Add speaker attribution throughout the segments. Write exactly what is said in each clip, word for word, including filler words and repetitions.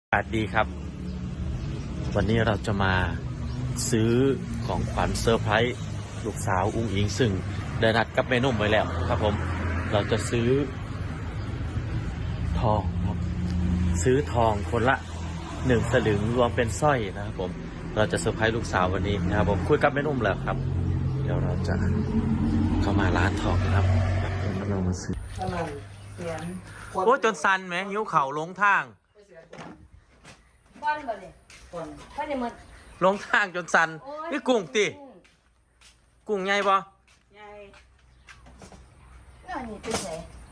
Speaker 1: อากาศดีครับวันนี้เราจะมาซื้อของขวัญเซอร์ไพรส์ลูกสาวอุ้งอิงซึ่งได้นัดกับแม่นุ่มไว้แล้วครับผมเราจะซื้อทองครับซื้อทองคนละหนึ่งสลึงรวมเป็นสร้อยนะครับผมเราจะเซอร์ไพรส์ลูกสาววันนี้นะครับผมคุยกับแม่นุ่มแล้วครับเดี๋ยวเราจะเข้ามาร้านทองนะครับเรามาซื้อโอ้จนซันไหมยิ้วเข่าลงทาง
Speaker 2: ก้อนบ่เลยก้อนก้อนเนี่ยมัน
Speaker 1: ลงทางจนสันนี่กุ้งติกุ้งใหญ่ปะ
Speaker 2: ใหญ่อันนี้เป็นไง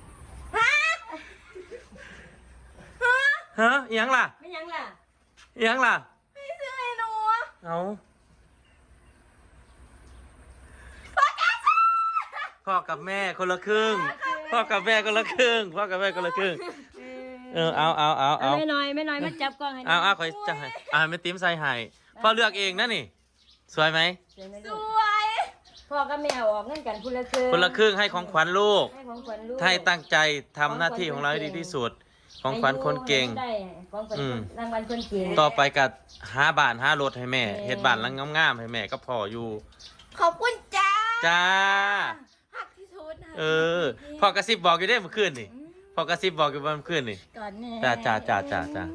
Speaker 1: ฮะยังล่ะ
Speaker 2: ไม่ยังล่ะ
Speaker 1: ยังล่ะ
Speaker 2: ไม่ซื้อไอ้หนู
Speaker 1: เอาพ่อกับแม่คนละครึ่งพ่อกับแม่คนละครึ่งพ่อกับแม่คนละครึ่งเออเอาเอาเอาเอา
Speaker 2: ไม่น้อยไม่น้อยมาจับกล้องให้
Speaker 1: เอาเอาคอยจับให้อ่าไม่ติ้มใส่ให้พ่อเลือกเองนะนี่สวยไหม
Speaker 2: สวยพ่อกับแม่ออกเงินกันคนละครึ่ง
Speaker 1: คนละครึ่งให้ของขวัญลูก
Speaker 2: ให้ของขวัญลูก
Speaker 1: ให้ตั้งใจทำหน้าที่ของเราให้ดีที่สุดของขวัญคนเก่ง
Speaker 2: ของขวัญรางวัลคนเก่ง
Speaker 1: ต่อไปกับห้าบาทห้ารถให้แม่เฮ็ดบ้านลังงามๆให้แม่ก็พออยู่
Speaker 2: ขอบคุณจ้า
Speaker 1: จ้า
Speaker 2: ฮักที่สุด
Speaker 1: เออพ่อกระซิบบอกอยู่ได้เมื่อคืนนี่พ่อกระซิบบอกอยู่เมื่อคืนนี่จ้าจ้าจ้าจ้าจ้า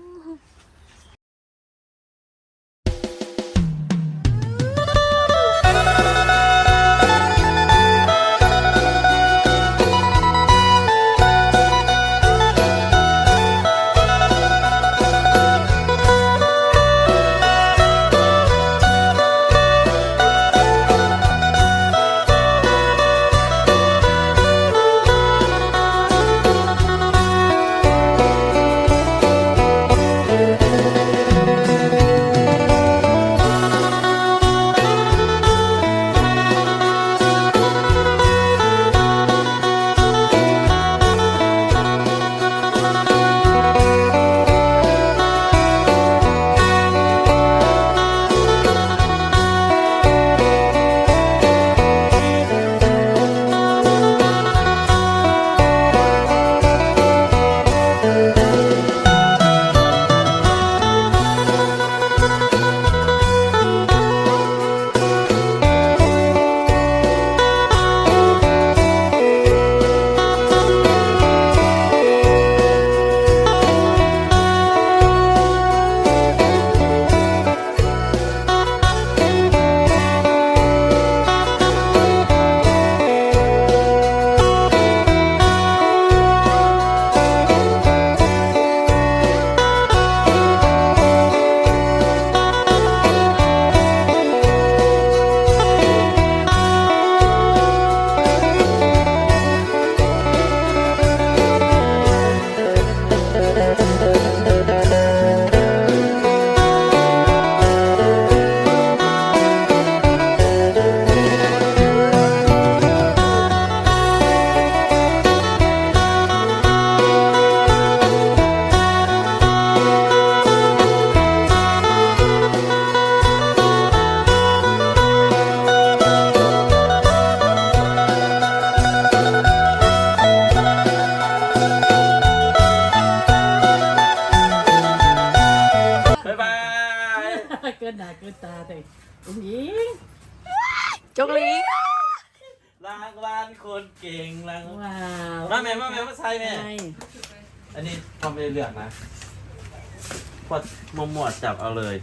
Speaker 2: เกินหน้าเกินตาเลยอุ้งอิง
Speaker 1: จกลิงรางวัลคนเก่งรางวัลมาแม่มาแม่มาใส่แม่อันนี้ทำไปเลือกนะพอดมมวดจับเอาเลย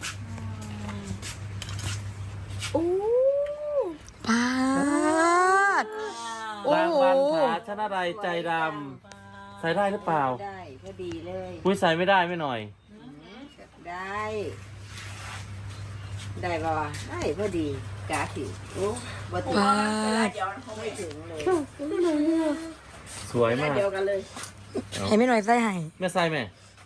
Speaker 2: อู้ปาด
Speaker 1: รางวัลผาชนะไรใจดำใส่ได้หรือเปล่า
Speaker 2: ได้พอดีเลย
Speaker 1: อุ้ยใส่ไม่ได้ไม่หน่อย
Speaker 2: ได้ได้ป่ะได้พอดีกาสิโอ้บัตรเดียวเขาไม่ถึงเลย
Speaker 1: สวยมาก
Speaker 2: เดียวกันเลย
Speaker 3: ให้ไม่หน่อยใส่ให้
Speaker 1: แม่ใส่แม่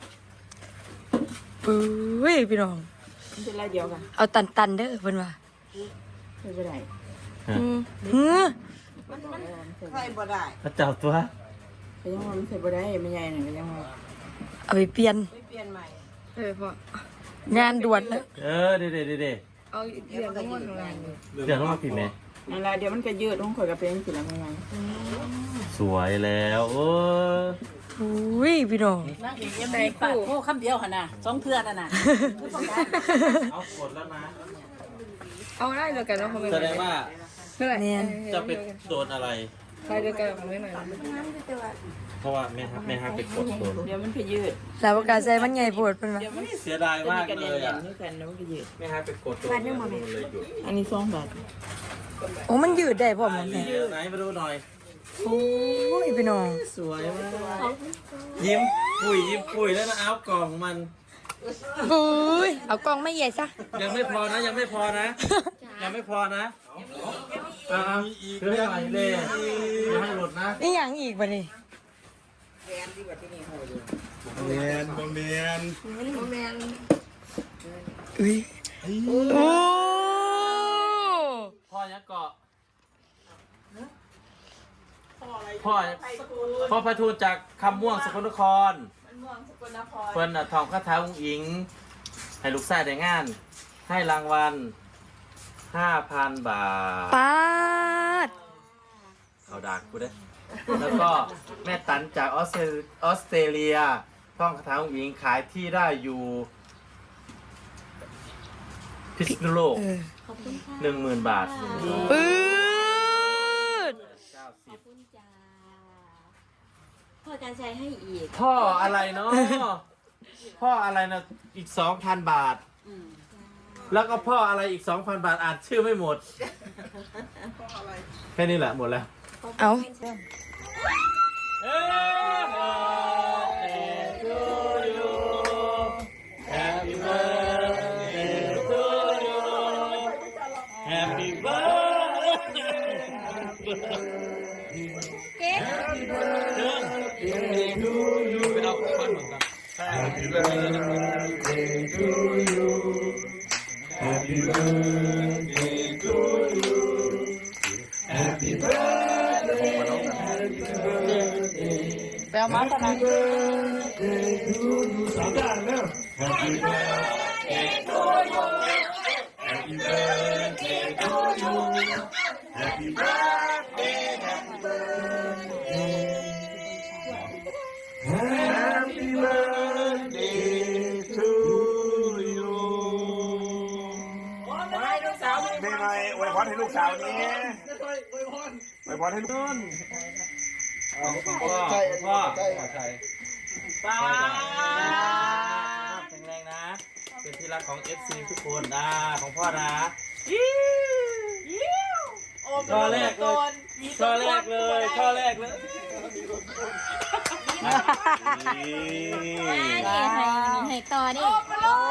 Speaker 3: ปุ้ยพี่น้อง
Speaker 2: เป็นไรเดียวกัน
Speaker 3: เอาตันตันเด้อเพิ่นว่า
Speaker 2: ไม่เป็นไร
Speaker 3: อืมเฮ้อ
Speaker 2: มันมันใส่บ่ได้
Speaker 1: พระเจ้าตัว
Speaker 2: ก็ยังว่ามันใส่บ่ได้ไม่ใหญ่หน่อยก็ยังว่า
Speaker 3: เอาไปเปลี่ยน
Speaker 2: ไปเปลี่ยนใหม่
Speaker 3: เออพ่องานด่วนแล้ว
Speaker 1: เออเด็ดเด็ดเด็ด
Speaker 3: เอาเดี๋ยวต้องวนงาน
Speaker 1: เดี๋ยวต้องมาผิดไหม
Speaker 2: นั่นแหละเดี๋ยวมันก็ยืดต้องข่อยกับเป็นสิละไม่ไหว
Speaker 1: สวยแล้วโอ้
Speaker 3: อุ้ยพี่น้อง
Speaker 4: นั่งอีกยังมีปากโอ้คำเดียวหั่นน่ะสองเทื่อนั่นน่ะ
Speaker 1: เอากดแล้วนะ
Speaker 3: เอาได้เดียวกันเนาะคอมเมนต์
Speaker 1: แสดงว่า
Speaker 3: ไม่ไรเนี่ย
Speaker 1: จะเป็นโดนอะไร
Speaker 3: ใครเดียวกันคอมเมนต์หน่อย
Speaker 1: เพราะว่าแม่ฮักแม่ฮักไปกดโดน
Speaker 4: เดี๋ยวมันไปยืด
Speaker 3: แล้วประกาศใจมันใหญ่ปวดเป็นไหม
Speaker 4: เดี๋ยวมัน
Speaker 1: เสียดายมาก
Speaker 4: กัน
Speaker 1: เล
Speaker 4: เด่
Speaker 1: ยอ่ะ
Speaker 4: นๆด้วยกันแล้วมันไปยืด
Speaker 1: แม่ฮักไปกดโดนเลยหยุด
Speaker 4: อันนี้สองบาท
Speaker 3: โอ้มันยืดได้พ่อมันแม่
Speaker 1: ไหนมาดูหน่อย
Speaker 3: โอ้ยพี่น้อง
Speaker 1: สวยมากยิ้มปุ๋ยยิ้มปุ๋ยแล้วนะเอากล่องมัน
Speaker 3: ปุ้ยเอากล้องไม่ใหญ่ซะ
Speaker 1: ยังไม่พอนะยังไม่พอนะ ยังไม่พอนะอ่าคือให้ไหลเลยอย่าให้หลุดนะ
Speaker 3: นี่อย่างอีกบ่นี่
Speaker 5: เมียนบ่เมียน
Speaker 3: อุ้ยโอ้
Speaker 1: พ่อยังเกาะพ่อพ่อพระทูตจากคำม่วงสกลนครเพิ่นน่ะทองคาถาอุ้งอิง ให้ลูกชายได้งาน ให้รางวัลห้าพันบาท
Speaker 3: ปาด
Speaker 1: เอาดากกูได้ แล้วก็แม่ตันจากออสเตรออสเตรเลียท่องคาถาองค์หญิงขายที่ได้อยู่พิษณุโลก
Speaker 3: เออ
Speaker 1: หนึ่งหมื่นบาท
Speaker 3: ปื๊ด
Speaker 1: เก้าสิบ
Speaker 6: จ้าพ่อการใช้ให้อีก
Speaker 1: พ่ออะไรเนาะพ่ออะไรนะอีกสองพันบาท แล้วก็พ่ออะไรอีกสองพันบาทอ่านชื่อไม่หมดแค่นี้แหละหมดแล้ว
Speaker 3: เอา
Speaker 1: Happy birthday to you Happy birthday to you ไปเอาของขวัญเหมือนกัน
Speaker 5: Happy birthday to you Happy birthday to you Happy birthday Happy birthday
Speaker 4: ไปเอามาตอนนั้น
Speaker 5: birthday to you สามด้านแล้ว Happy birthday to you Happy birthday to you Happy birthday Happy birthday Happy birthday to you
Speaker 7: ไม่ไงอวยพรให้ลูกสาวนี้อวยพรให้ลูก
Speaker 1: พ่อพ่อพ่อป้าแข็งแรงนะ เป็นที่รักของ เอฟ ซี ทุกคนนะของพ่อนะข้อแรกเลยข้อแรกเลยข้อแรกเลย
Speaker 6: นี่ให้ให้ต่อนี่
Speaker 1: โอ้